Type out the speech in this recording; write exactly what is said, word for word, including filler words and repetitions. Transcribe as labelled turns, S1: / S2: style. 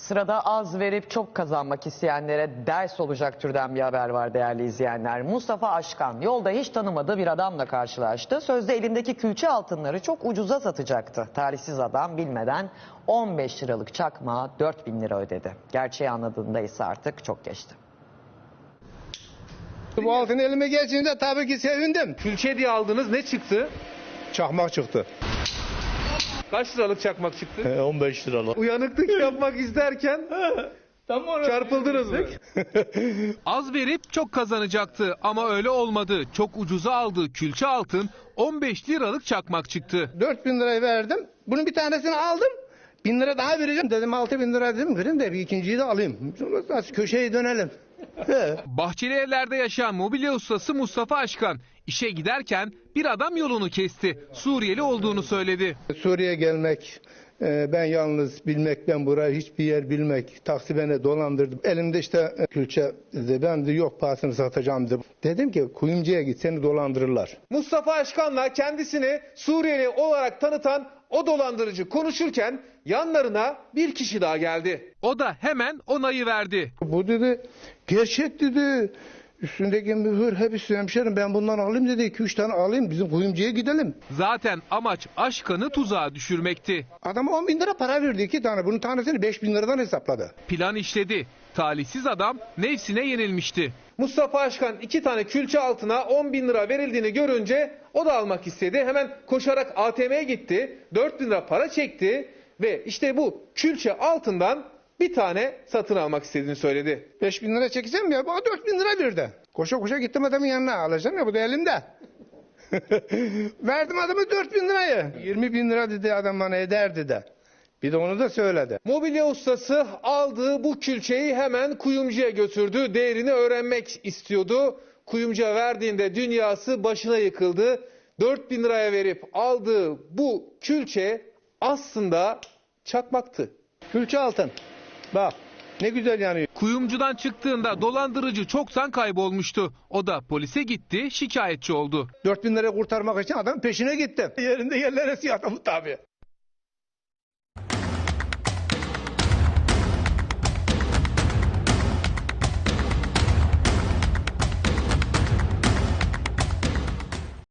S1: Sırada az verip çok kazanmak isteyenlere ders olacak türden bir haber var değerli izleyenler. Mustafa Aşkan yolda hiç tanımadığı bir adamla karşılaştı. Sözde elindeki külçe altınları çok ucuza satacaktı. Talihsiz adam bilmeden on beş liralık çakmağa dört bin lira ödedi. Gerçeği anladığında ise artık çok geçti.
S2: Bu altın elime geçince tabii ki sevindim.
S3: Külçe diye aldınız, ne çıktı?
S2: Çakmak çıktı.
S3: Kaç liralık çakmak çıktı?
S2: on beş liralık.
S3: Uyanıklık yapmak isterken çarpıldınız mı? Az verip çok kazanacaktı ama öyle olmadı. Çok ucuza aldığı külçe altın on beş liralık çakmak çıktı.
S2: dört bin lirayı verdim. Bunun bir tanesini aldım. bin lira daha vereceğim. Dedim altı bin lira dedim. Verin de bir ikinciyi de alayım. Sonra köşeye dönelim.
S3: Bahçeli Evler'de yaşayan mobilya ustası Mustafa Aşkan işe giderken bir adam yolunu kesti. Suriyeli olduğunu söyledi.
S2: Suriye'ye gelmek, e, ben yalnız bilmek, ben burayı hiçbir yer bilmek, taksi beni dolandırdı. Elimde işte e, külçe, dedi. Ben de yok pahasını satacağım dedi. Dedim ki kuyumcuya git, seni dolandırırlar.
S3: Mustafa Aşkan'la kendisini Suriyeli olarak tanıtan o dolandırıcı konuşurken yanlarına bir kişi daha geldi. O da hemen onayı verdi.
S2: Bu dedi gerçek dedi. Üstündeki mühür hepsi hemşerim, ben bundan alayım dedi. iki üç tane alayım, bizim kuyumcuya gidelim.
S3: Zaten amaç Aşkan'ı tuzağa düşürmekti.
S2: Adam on bin lira para verdi, iki tane. Bunun tanesini beş bin liradan hesapladı.
S3: Plan işledi. Talihsiz adam nefsine yenilmişti. Mustafa Aşkan iki tane külçe altına on bin lira verildiğini görünce o da almak istedi. Hemen koşarak A T M'ye gitti. dört bin lira para çekti ve işte bu külçe altından bir tane satın almak istediğini söyledi.
S2: beş bin lira çekeceğim ya, bana dört bin lira verdi. Koşa koşa gittim adamın yanına, alacağım ya, bu da elimde. Verdim adamı dört bin lirayı. yirmi bin lira dedi adam bana, eder dedi. Bir de onu da söyledi.
S3: Mobilya ustası aldığı bu külçeyi hemen kuyumcuya götürdü. Değerini öğrenmek istiyordu. Kuyumcuya verdiğinde dünyası başına yıkıldı. dört bin liraya verip aldığı bu külçe aslında çakmaktı.
S2: Külçe altın. Bak ne güzel yanıyor.
S3: Kuyumcudan çıktığında dolandırıcı çoktan kaybolmuştu. O da polise gitti, şikayetçi oldu.
S2: dört bin lira kurtarmak için adam peşine gitti. Yerinde yerlere siyah adamı tabii.